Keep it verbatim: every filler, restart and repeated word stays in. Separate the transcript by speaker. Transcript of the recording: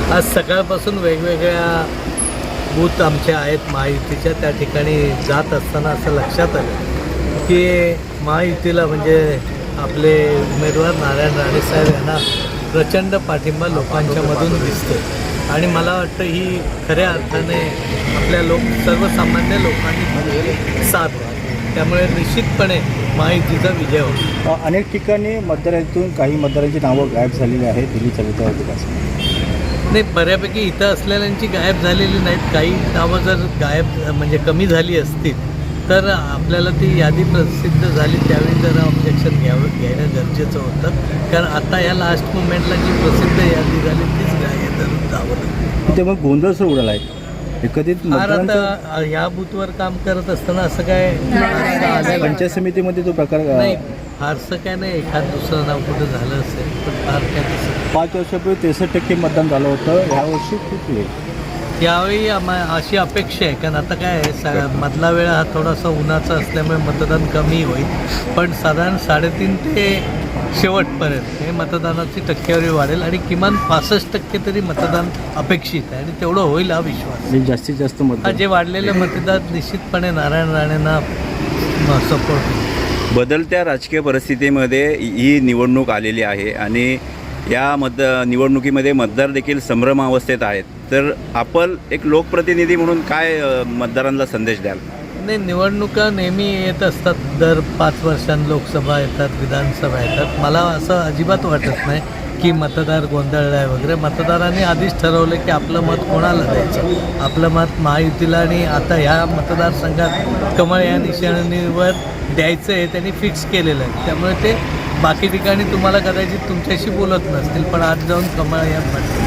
Speaker 1: आज सकाळपासून वेगवेगळ्या बूथ आमचे आहेत महायुतीच्या, त्या ठिकाणी जात असताना असं लक्षात आलं की महायुतीला म्हणजे आपले उमेदवार नारायण राणेसाहेब यांना प्रचंड पाठिंबा लोकांच्या मधून दिसतो आणि मला वाटतं ही खऱ्या अर्थाने आपल्या लोक सर्वसामान्य लोकांनी साथ द्यावी. त्यामुळे निश्चितपणे महायुतीचा विजय होतो.
Speaker 2: अनेक ठिकाणी मतदारांतून काही मतदारांची नावं गायब झालेली आहेत. दिल्ली चरित्र विकास
Speaker 1: नाही, बऱ्यापैकी इथं असलेल्यांची गायब झालेली नाहीत. काही नावं जर गायब म्हणजे कमी झाली असतील तर आपल्याला ती यादी प्रसिद्ध झाली त्यावेळी जरा ऑब्जेक्शन घ्यावं घेणं गरजेचं होतं. कारण आता या लास्ट मुमेंटला जी प्रसिद्ध यादी झाली तीच गाय धरून जावं.
Speaker 2: ते मग गोंधळ सुरू उडाला आहे एकत्रित
Speaker 1: फार आता ह्या बूथवर काम करत असताना असं काय
Speaker 2: पंचायत समितीमध्ये तो प्रकार
Speaker 1: नाही, फारसं काय नाही. एखाद दुसरं नाव कुठं झालं असेल पण फार काय तसं.
Speaker 2: पाच वर्षापूर्वी त्रेसष्ट टक्के मतदान झालं होतं. ह्या वर्षी खूप आहे.
Speaker 1: यावेळी आम्हा अशी अपेक्षा आहे, कारण आता काय आहे सा मधला वेळ हा थोडासा उन्हाचा असल्यामुळे मतदान कमी होईल, पण साधारण साडेतीन ते शेवटपर्यंत हे मतदानाची टक्केवारी वाढेल आणि किमान पासष्ट टक्के तरी मतदान अपेक्षित आहे आणि तेवढं होईल हा विश्वास.
Speaker 2: जास्तीत जास्त
Speaker 1: हा
Speaker 2: मतदान
Speaker 1: जे वाढलेले मतदार निश्चितपणे नारायण राणेंना सपोर्ट.
Speaker 3: बदलत्या राजकीय परिस्थितीमध्ये ही निवडणूक आलेली आहे आणि या मत निवडणुकीमध्ये मतदार देखील संभ्रमावस्थेत आहेत. तर आपण एक लोकप्रतिनिधी म्हणून काय मतदारांना संदेश द्याल?
Speaker 1: नाही, निवडणुका नेहमी येत असतात. दर पाच वर्षांनी लोकसभा येतात, विधानसभा येतात. मला असं अजिबात वाटत नाही की मतदार गोंधळला आहे वगैरे. मतदारांनी आधीच ठरवलं की आपलं मत कोणाला द्यायचं. आपलं मत महायुतीला आणि आता ह्या मतदारसंघात कमळ या निशाणीवर द्यायचं आहे त्यांनी फिक्स केलेलं आहे. त्यामुळे ते बाकी ठिकाणी तुम्हाला कदाचित तुमच्याशी बोलत नसतील पण आज जाऊन कमळ या